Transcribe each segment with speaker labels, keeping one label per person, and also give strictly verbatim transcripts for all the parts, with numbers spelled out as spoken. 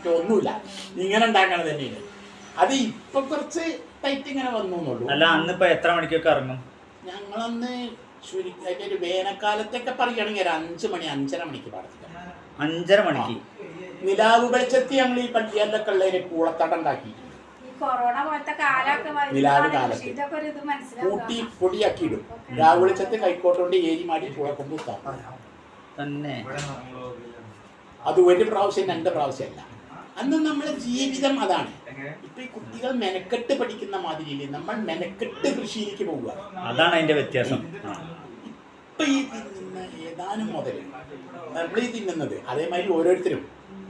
Speaker 1: പറ്റുമോ ഒന്നുമില്ല, ഇങ്ങനെ ഉണ്ടാക്കണത് തന്നെയാണ്. അത് ഇപ്പൊ കുറച്ച് ടൈറ്റ് ഇങ്ങനെ വന്നു എന്നുള്ളൂ.
Speaker 2: അല്ല അന്നിപ്പോ എത്ര മണിക്കൊക്കെ ഇറങ്ങും?
Speaker 1: ഞങ്ങളന്ന് അതിന്റെ ഒരു വേനൽക്കാലത്തൊക്കെ പറയുകയാണെങ്കിൽ ഒരു അഞ്ചു മണി അഞ്ചര മണിക്ക് പാടത്തില്ല.
Speaker 2: അഞ്ചര മണിക്ക്
Speaker 1: നിലാവ് വെളിച്ചത്തി ഞങ്ങൾ ഈ പള്ളിയല്ലൊക്കെ ഉള്ളതിന് കൂളത്തട ഉണ്ടാക്കിയിട്ടുണ്ട്. നിലാവ് കാലത്ത് കൂട്ടി പൊടിയാക്കി ഇടും. രാവ് വെളിച്ചത്ത് കൈക്കോട്ടുകൊണ്ട് ഏരി മാടി കൂളക്കൊണ്ട്
Speaker 2: തന്നെ.
Speaker 1: അത് ഒരു പ്രാവശ്യം രണ്ട് പ്രാവശ്യമല്ല. അന്ന് നമ്മളെ ജീവിതം അതാണ്. ഇപ്പൊ ഈ കുട്ടികൾ മെനക്കെട്ട് പഠിക്കുന്ന മാതിരിയില്ലേ, നമ്മൾ മെനക്കെട്ട് കൃഷിയിലേക്ക് പോവുക.
Speaker 2: അതാണ് അതിന്റെ വ്യത്യാസം.
Speaker 1: ഇപ്പൊ ഈ തിന്നുന്ന ഏതാനും മുതൽ നമ്മൾ ഈ തിന്നുന്നത് അതേമാതിരി ഓരോരുത്തരും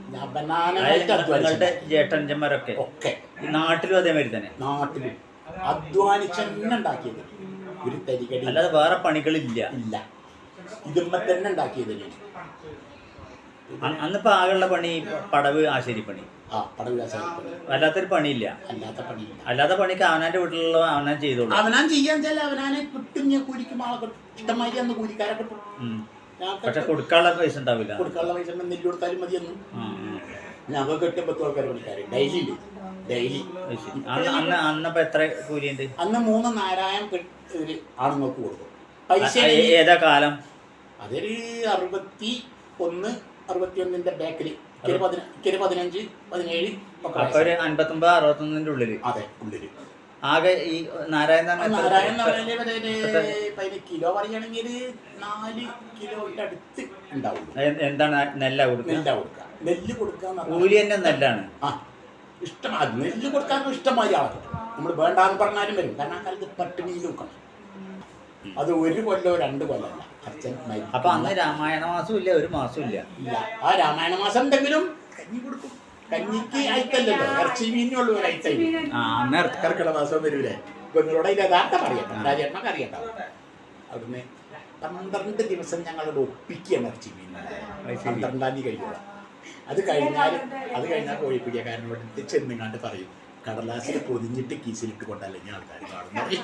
Speaker 2: ചേട്ടന്മാരൊക്കെ ഒക്കെ നാട്ടിലും അതേമാതിരി തന്നെ നാട്ടിലും
Speaker 1: അധ്വാനിച്ചെന്നെ ഉണ്ടാക്കിയത്. ഒരു തരികടി
Speaker 2: അല്ലാതെ വേറെ പണികളില്ല
Speaker 1: ഇല്ല, ഇതുമ്മ തന്നെ ഉണ്ടാക്കിയത്.
Speaker 2: അന്നിപ്പോ ആകെയുള്ള പണി പടവ് ആശാരിപ്പണി.
Speaker 1: ആ പടവ് ആശാരിപ്പണി
Speaker 2: അല്ലാത്തൊരു പണിയില്ല.
Speaker 1: അല്ലാത്ത പണിയില്ല.
Speaker 2: അല്ലാത്ത പണിക്ക് അവനാന്റെ വീട്ടിലുള്ള അവനാൻ ചെയ്തോളൂ.
Speaker 1: അവനാൻ ചെയ്യാൻ വെച്ചാൽ അവനാനെ കിട്ടും. ഞാൻ കൂലിക്കും ആളെ കിട്ടും, ഇഷ്ടമാതിരി അന്ന് കൂലിക്കാരെ കിട്ടും.
Speaker 2: പക്ഷെ കൊടുക്കാനുള്ള പൈസ ഉണ്ടാവില്ല.
Speaker 1: കൊടുക്കാനുള്ള പൈസ നെല്ല് കൊടുത്താലും മതിയൊന്നും. ഞങ്ങൾക്ക് എട്ട് പത്ത് ആൾക്കാർ പണിക്കാർ ഡെയിലി ഉണ്ട്. ഡെയിലി
Speaker 2: അന്ന് അന്നപ്പോ എത്ര കൂലിയുണ്ട്?
Speaker 1: അന്ന് മൂന്ന് നാരായം ആണുങ്ങൾക്ക് കൊടുക്കും. പൈസ
Speaker 2: ഏതാ കാലം?
Speaker 1: അതൊരു അറുപത്തി ഒന്ന് അറുപത്തി ഒന്നിന്റെ ബാക്കിൽ പതിനഞ്ച് പതിനേഴ്
Speaker 2: ഒരു അൻപത്തൊമ്പത് അറുപത്തൊന്നിന്റെ ഉള്ളില്.
Speaker 1: അതെ ഉള്ളില്.
Speaker 2: ആകെ ഈ നാരായണ
Speaker 1: നാരായണ പതിനഞ്ച് കിലോ പറയുകയാണെങ്കിൽ നാല് കിലോയുടെ അടുത്ത് ഉണ്ടാവും.
Speaker 2: എന്താണ് നെല്ല കൊടുക്കുക?
Speaker 1: നെല്ല കൊടുക്കുക. നെല്ല് കൊടുക്കുക
Speaker 2: കൂലി തന്നെ നെല്ലാണ്.
Speaker 1: ആ ഇഷ്ടം. നെല്ല് കൊടുക്കാൻ ഇഷ്ടംമാതിരി ആളുകൾ. നമ്മൾ വേണ്ടാന്ന് പറഞ്ഞാലും വരും. കാരണം ആ കാലത്ത് പട്ടിണി നോക്കണം. അത് ഒരു കൊല്ലോ രണ്ട് കൊല്ലമല്ല. അച്ഛൻ
Speaker 2: അപ്പൊ അന്ന് രാമായണ മാസം ഇല്ല, ഒരു മാസം ഇല്ല.
Speaker 1: ഇല്ല. ആ രാമായണ മാസം എന്തെങ്കിലും കഞ്ഞി കൊടുക്കും. കഞ്ഞിക്ക് അയക്കല്ലല്ലോ, ഇറച്ചി മീനുള്ളൂ ഒരു അയച്ച. കർക്കിടക മാസം വരൂലേ. നിങ്ങളോട് അതിന്റെ യഥാർത്ഥം അറിയണ്ട, രാജേട്ടനൊക്കെ അറിയണ്ടാവും. അവിടുന്ന് പന്ത്രണ്ട് ദിവസം ഞങ്ങളോട് ഒപ്പിക്കുകയാണ് ഇറച്ചി മീൻ. പന്ത്രണ്ടാം തീയതി കഴിക്കുക. അത് കഴിഞ്ഞാൽ അത് കഴിഞ്ഞാൽ കോഴിപ്പിടിയക്കാരനോട് ചെന്നിങ്ങാണ്ട് പറയും, കടലാസിൽ പൊതിഞ്ഞിട്ട് കീസിലിട്ട് കൊണ്ടല്ലെങ്കിൽ ആൾക്കാർ കാണുന്നത്.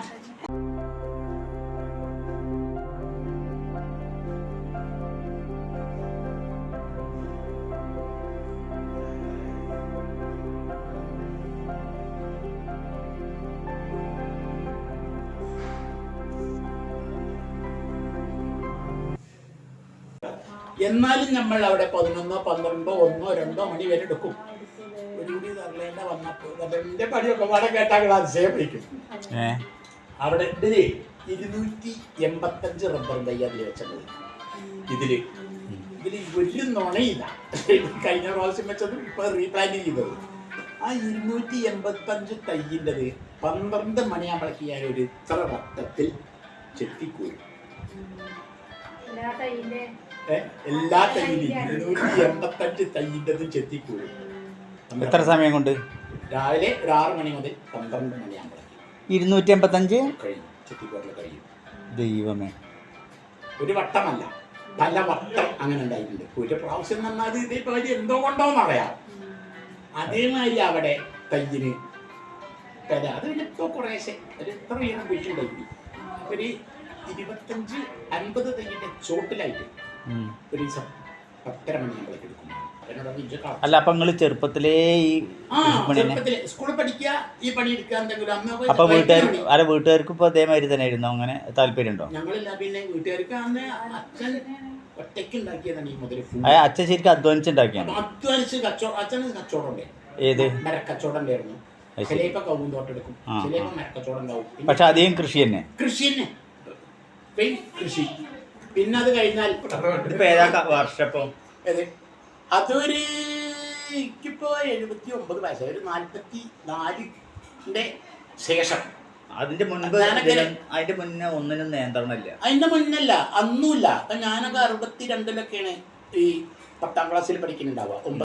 Speaker 1: എന്നാലും നമ്മൾ അവിടെ പതിനൊന്നോ പന്ത്രണ്ടോ ഒന്നോ രണ്ടോ മണി വരെ എടുക്കും. ഒരു കൂടി തരലേണ്ട വന്നപ്പോൾ എന്റെ പണിയൊക്കെ പാടെ കേട്ടാൽ അതിശയം പിടിക്കും. അവിടെ ഇതില് ഇരുന്നൂറ്റി എൺപത്തഞ്ച് റബ്ബർ തൈ അതിൽ വെച്ചത്. ഇതില് ഇതില് ഒരു നുണയില്ല. കഴിഞ്ഞ പ്രാവശ്യം വെച്ചത് ഇപ്പൊ റീപ്ലാന്റ് ചെയ്തത്. ആ ഇരുന്നൂറ്റി എൺപത്തഞ്ച് തൈയിൻ്റെത് പന്ത്രണ്ട് മണിയാകുമ്പോഴേക്ക് ഞാൻ ഒരു ഇത്ര വട്ടത്തിൽ ചെത്തിക്കൂരും. എല്ലാ തൈയിലും ഇരുന്നൂറ്റി എൺപത്തഞ്ച് തൈയിൻ്റെത് ചെത്തിക്കൂരും.
Speaker 2: എത്ര സമയം കൊണ്ട്?
Speaker 1: രാവിലെ ഒരു ആറ് മണി മുതൽ പന്ത്രണ്ട് മണിയാകുമ്പോഴേക്ക്
Speaker 2: ഇരുന്നൂറ്റി എൺപത്തഞ്ച്
Speaker 1: കഴിയും. ചെത്തിക്കൂറിൽ കഴിയും.
Speaker 2: ദൈവമേ,
Speaker 1: ഒരു വട്ടമല്ല, പല വട്ടം അങ്ങനെ ഉണ്ടായിട്ടുണ്ട്. ഒരു പ്രാവശ്യം നന്നാത് ഇതിപ്പോ എന്തോ കൊണ്ടോന്ന് അറിയാം. അതേമാതിരി അവിടെ തയ്യിന് പെര അത് ഇപ്പോ കുറേശ്ശെ ഒരു എത്ര വീതം കുഴിച്ചുണ്ടായി. ഒരു ഇരുപത്തഞ്ച് അൻപത് തയ്യിന്റെ ചോട്ടിലായിട്ട് ഒരു ദിവസം പത്തര മണിയാകുമ്പോഴേക്ക് എടുക്കും.
Speaker 2: അല്ല അപ്പൊ നിങ്ങള് ചെറുപ്പത്തിലേ ഈ
Speaker 1: സ്കൂളിൽ പഠിക്കുക, ഈ പണി എടുക്കുക എന്തെങ്കിലും.
Speaker 2: അപ്പൊ വീട്ടുകാർ അല്ല വീട്ടുകാർക്ക് ഇപ്പൊ അതേമാതിരി തന്നെ ആയിരുന്നു? അങ്ങനെ താല്പര്യം ഉണ്ടോ?
Speaker 1: ഞങ്ങളില്ല. പിന്നെ വീട്ടുകാർക്ക് അന്ന് അച്ഛൻ ഒറ്റയ്ക്ക് ഉണ്ടാക്കിയതാണ് ഈ മുതൽ.
Speaker 2: അച്ഛൻ ശരിക്കും അധ്വാനിച്ചുണ്ടാക്കിയാണ്.
Speaker 1: അധ്വാനിച്ച് കച്ചവടം. അച്ഛന് കച്ചവടം ഉണ്ടായിരുന്നു.
Speaker 2: ഏത്
Speaker 1: മരക്കച്ചവടം ഉണ്ടായിരുന്നു. ചിലപ്പോ കവുന്തോട്ടം എടുക്കും, ചിലപ്പോ മരക്കച്ചവടം ഉണ്ടാവും.
Speaker 2: പക്ഷെ അധികം കൃഷി തന്നെ.
Speaker 1: കൃഷി തന്നെ കൃഷി. പിന്നെ അത് കഴിഞ്ഞാൽ
Speaker 2: വർഷപ്പോ
Speaker 1: അതൊരു എനിക്കിപ്പോ എഴുപത്തി ഒമ്പത് വയസ്സ്, ഒരു നാല്പത്തി നാലിന്റെ ശേഷം.
Speaker 2: അതിന്റെ മുൻപ് അതിന്റെ മുന്നേ ഒന്നിനും നിയന്ത്രണമില്ല.
Speaker 1: അതിന്റെ മുന്നല്ല, അന്നുമില്ല. അപ്പൊ ഞാനൊക്കെ അറുപത്തി രണ്ടിലൊക്കെയാണ് ഈ പത്താം ക്ലാസ്സിൽ പഠിക്കുന്നുണ്ടാവുക.